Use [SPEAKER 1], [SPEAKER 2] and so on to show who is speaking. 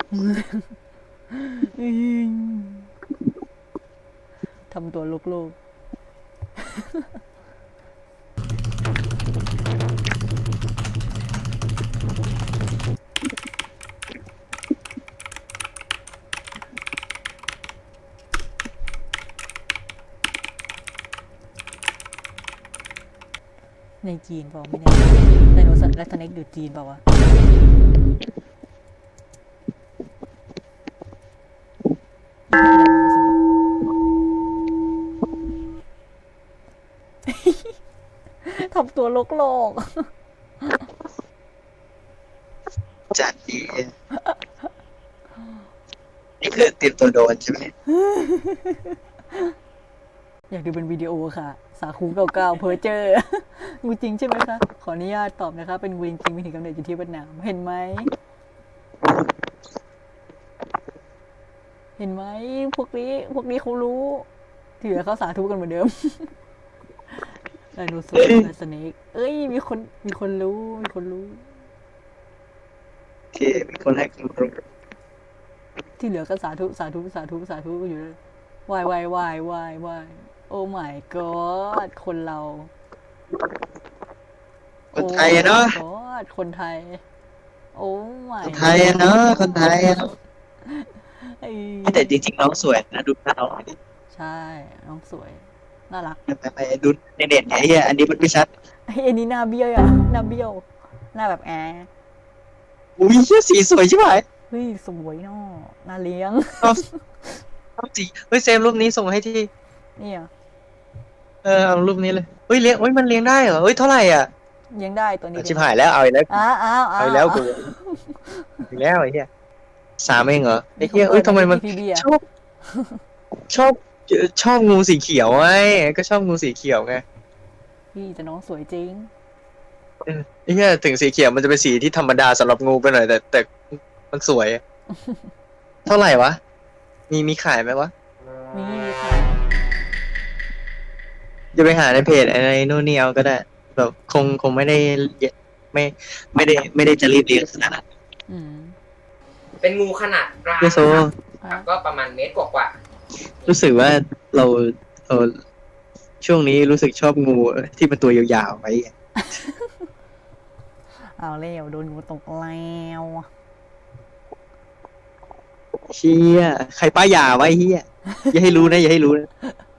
[SPEAKER 1] ทำตัวโลกในจีนเปล่าไม่แน่ไดโนเสาร์และสเน็กอยู่จีนเปล่าวะทำตัวโลก
[SPEAKER 2] จัดดีนี่คือเตรียมตัวโดนใช่ไหม
[SPEAKER 1] อยากดูเป็นวิดีโอค่ะสาคูเก่าๆเพอเจองูจริงใช่ไหมคะขออนุญาตตอบนะคะเป็นงูจริงมีถิ่นกำเนิดอยู่ที่เวียดนามเห็นไหมพวกนี้เขารู้ที่เหลือเขาสาธุกันเหมือนเดิมไดโนเสาร์และสเนกเอ้ยมีคนรู้
[SPEAKER 2] โอเคมีคนให้ความรู้
[SPEAKER 1] ที่เหลือก็สาธุอยู่เลยวายโอ้ my god คนเรา
[SPEAKER 2] คนไทยเนาะ
[SPEAKER 1] คนไทยโอ้ my
[SPEAKER 2] คนไทยเนาะคนไทยแต่จริงๆน้องสวยนะดูหน้าน้องดิ
[SPEAKER 1] ใช่น้องสวยน่ารัก
[SPEAKER 2] ไปดูในเน็ตไอ้เหี้ยอันนี้มันไม่ชัด
[SPEAKER 1] อันนี้หน้าเบี้ยวอ่ะหน้าเบี้ยวหน้าแบบ
[SPEAKER 2] อุ้ยเหี้ยสีสวยใช่ไหม
[SPEAKER 1] เฮ้ยสวยเนาะน่าเลี้ยง
[SPEAKER 2] เอาสีเฮ้ยเซฟรูปนี้ส่งให้ที่
[SPEAKER 1] นี่อ่ะ
[SPEAKER 2] เอารูปนี้เลยเฮ้ยเลี้ยงเฮ้ยมันเลี้ยงได้เหรอเฮ้ยเท่าไหร่อ่ะ
[SPEAKER 1] เลี้ยงได้ตัวนี้
[SPEAKER 2] ชิบหายแล้วเอาอีกแล้ว
[SPEAKER 1] เอา
[SPEAKER 2] อีกแล้วกูอีกแล้วไอ้เหี้ย3เองเหรอไอ้เหี้ยเอ้ยทำไมมันชอบงูสีเขียวไงก็ชอบงูสีเขียวไง
[SPEAKER 1] พี่แต่น้องสวยจริง
[SPEAKER 2] ไอ้เหี้ยถึงสีเขียวมันจะเป็นสีที่ธรรมดาสำหรับงูไปหน่อยแต่มันสวยเท่าไหร่วะมีขายไหมวะ
[SPEAKER 1] มีค่ะ
[SPEAKER 2] จะไปหาในเพจอะไรโน่นนี่เอาก็ได้แบบคงไม่ได้ไม่ได้จะรีบเลี้ยงขนาดนั้น
[SPEAKER 3] เป็นงูขนาดกลางครับก็ประมาณเมตรกว่า
[SPEAKER 2] รู้สึกว่าเราช่วงนี้รู้สึกชอบงูที่เป็นตัวยาวๆไว้
[SPEAKER 1] เอาแล้วโดนงูตกแล้ว
[SPEAKER 2] เชี่ยใครป้ายยาไว้เฮียอย่าให้รู้นะ